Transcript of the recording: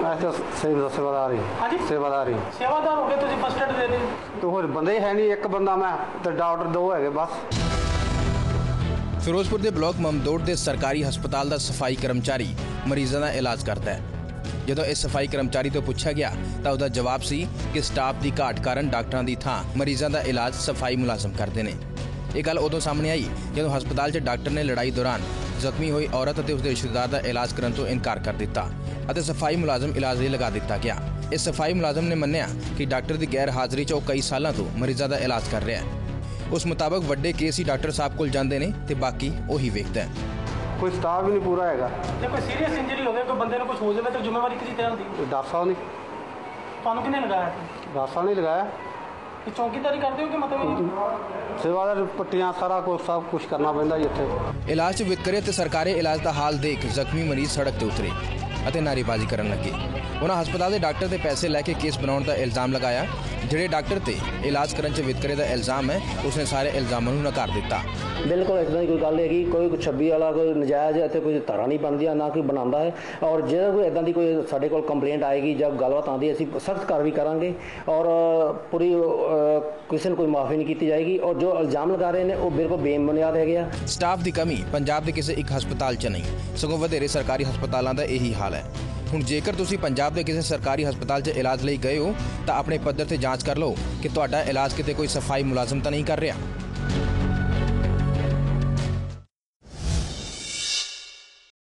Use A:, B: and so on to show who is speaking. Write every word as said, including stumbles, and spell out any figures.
A: मैं तो सेवा सेवादार ही
B: हाँ जी
A: सेवादार ही
B: सेवादार हो गए तुझे फर्स्ट एड दे दी
A: तो होर बंदे है नहीं, एक बंदा मैं तो डॉक्टर दो है बस।
C: ਫਿਰੋਜ਼ਪੁਰ ਦੇ ਬਲਾਕ ਮਮਦੋਟ ਦੇ ਸਰਕਾਰੀ ਹਸਪਤਾਲ ਦਾ ਸਫਾਈ ਕਰਮਚਾਰੀ ਮਰੀਜ਼ਾਂ ਦਾ ਇਲਾਜ ਕਰਦਾ ਹੈ। ਜਦੋਂ ਇਸ ਸਫਾਈ ਕਰਮਚਾਰੀ ਤੋਂ ਪੁੱਛਿਆ ਗਿਆ ਤਾਂ ਉਹਦਾ ਜਵਾਬ ਸੀ ਕਿ ਸਟਾਫ ਦੀ ਘਾਟ ਕਾਰਨ ਡਾਕਟਰਾਂ ਦੀ ਥਾਂ ਮਰੀਜ਼ਾਂ ਦਾ ਇਲਾਜ ਸਫਾਈ ਮੁਲਾਜ਼ਮ ਕਰਦੇ ਨੇ। ਇਹ ਗੱਲ ਉਦੋਂ ਸਾਹਮਣੇ ਆਈ ਜਦੋਂ ਹਸਪਤਾਲ 'ਚ ਡਾਕਟਰ ਨੇ ਲੜਾਈ ਦੌਰਾਨ ਜ਼ਖਮੀ ਹੋਈ ਔਰਤ ਅਤੇ ਉਸਦੇ ਰਿਸ਼ਤੇਦਾਰ ਦਾ ਇਲਾਜ ਕਰਨ ਤੋਂ ਇਨਕਾਰ ਕਰ ਦਿੱਤਾ ਅਤੇ ਸਫਾਈ ਮੁਲਾਜ਼ਮ ਇਲਾਜ ਲਈ ਲਗਾ ਦਿੱਤਾ ਗਿਆ। ਇਸ ਸਫਾਈ ਮੁਲਾਜ਼ਮ ਨੇ ਮੰਨਿਆ ਕਿ ਡਾਕਟਰ ਦੀ ਗੈਰ ਹਾਜ਼ਰੀ 'ਚ ਉਹ ਕਈ ਸਾਲਾਂ ਤੋਂ ਮਰੀਜ਼ਾਂ ਦਾ ਇਲਾਜ ਕਰ ਰਿਹਾ ਹੈ। ਉਸ ਮੁਤਾਬਕ ਵੱਡੇ ਕੇਸ ਹੀ ਡਾਕਟਰ ਸਾਹਿਬ ਕੋਲ ਜਾਂਦੇ ਨੇ ਤੇ ਬਾਕੀ ਉਹੀ ਵੇਖਦਾ ਹੈ।
A: कोई स्टाफ भी नहीं पूरा हैगा।
B: ਜੇ ਕੋਈ ਸੀਰੀਅਸ ਇੰਜਰੀ ਹੋਵੇ ਕੋਈ ਬੰਦੇ ਨੂੰ ਕੁਝ ਹੋ ਜਾਵੇ ਤਾਂ ਜ਼ਿੰਮੇਵਾਰੀ ਕਿਹਦੀ ਤੈਅ ਹੁੰਦੀ?
A: डॉक्टर साहब ने
B: ਤੁਹਾਨੂੰ ਕਿਹਨੇ ਲਗਾਇਆ?
A: डॉक्टर साहब ने लगाया।
B: ਕਿ ਚੌਕੀਦਾਰੀ ਕਰਦੇ ਹੋ ਕਿ ਮਤਲਬ
A: सेवादार पट्टियां सारा कुछ सब कुछ करना पैंदा जी इत्थे।
C: ਇਲਾਜ 'ਚ ਵਿਤਕਰੇ ਤੇ ਸਰਕਾਰੀ ਇਲਾਜ ਦਾ ਹਾਲ ਦੇਖ ਜ਼ਖਮੀ ਮਰੀਜ਼ ਸੜਕ ਤੇ ਉਤਰੇ ਅਤੇ ਨਾਅਰੇਬਾਜ਼ੀ ਕਰਨ ਲੱਗੇ। ਉਹਨਾਂ ਹਸਪਤਾਲ ਦੇ ਡਾਕਟਰ ਦੇ ਪੈਸੇ ਲੈ ਕੇ ਕੇਸ ਬਣਾਉਣ ਦਾ ਇਲਜ਼ਾਮ ਲਗਾਇਆ। ਜਿਹੜੇ ਡਾਕਟਰ ਤੇ ਇਲਾਜ ਕਰਨ 'ਚ ਵਿਤਕਰੇ ਦਾ ਇਲਜ਼ਾਮ ਹੈ ਉਸਨੇ ਸਾਰੇ ਇਲਜ਼ਾਮਾਂ ਨੂੰ ਨਕਾਰ ਦਿੱਤਾ।
D: ਬਿਲਕੁਲ ਇੱਦਾਂ ਦੀ ਕੋਈ ਗੱਲ ਹੈਗੀ, ਕੋਈ ਛੱਬੀ ਵਾਲਾ ਕੋਈ ਨਜਾਇਜ਼ ਇੱਥੇ ਕੋਈ ਧਾਰਾ ਨਹੀਂ ਬਣਦੀਆਂ, ਨਾ ਕੋਈ ਬਣਾਉਂਦਾ ਹੈ। ਔਰ ਜੇ ਕੋਈ ਇੱਦਾਂ ਦੀ ਕੋਈ ਸਾਡੇ ਕੋਲ ਕੰਪਲੇਂਟ ਆਏਗੀ ਜਾਂ ਗੱਲਬਾਤ ਆਉਂਦੀ ਅਸੀਂ ਸਖਤ ਕਾਰਵਾਈ ਕਰਾਂਗੇ ਔਰ ਪੂਰੀ ਕਿਸੇ ਨੂੰ ਕੋਈ ਮਾਫੀ ਨਹੀਂ ਕੀਤੀ ਜਾਏਗੀ। ਔਰ ਜੋ ਇਲਜ਼ਾਮ ਲਗਾ ਰਹੇ ਨੇ ਉਹ ਬਿਲਕੁਲ ਬੇਬੁਨਿਆਦ ਹੈਗੇ ਆ।
C: ਸਟਾਫ ਦੀ ਕਮੀ ਪੰਜਾਬ ਦੇ ਕਿਸੇ ਇੱਕ ਹਸਪਤਾਲ 'ਚ ਨਹੀਂ, ਸਗੋਂ ਵਧੇਰੇ ਸਰਕਾਰੀ ਹਸਪਤਾਲਾਂ ਦਾ ਇਹੀ ਹਾਲ ਹੈ। ਹੁਣ ਜੇਕਰ ਤੁਸੀਂ ਪੰਜਾਬ ਦੇ ਕਿਸੇ ਸਰਕਾਰੀ ਹਸਪਤਾਲ 'ਚ ਇਲਾਜ ਲਈ ਗਏ ਹੋ ਤਾਂ ਆਪਣੇ ਪੱਧਰ ਤੇ ਜਾਂਚ ਕਰ ਲਓ ਕਿ ਤੁਹਾਡਾ ਇਲਾਜ ਕਿਤੇ ਕੋਈ ਸਫਾਈ ਮੁਲਾਜ਼ਮ ਤਾਂ ਨਹੀਂ ਕਰ ਰਿਹਾ।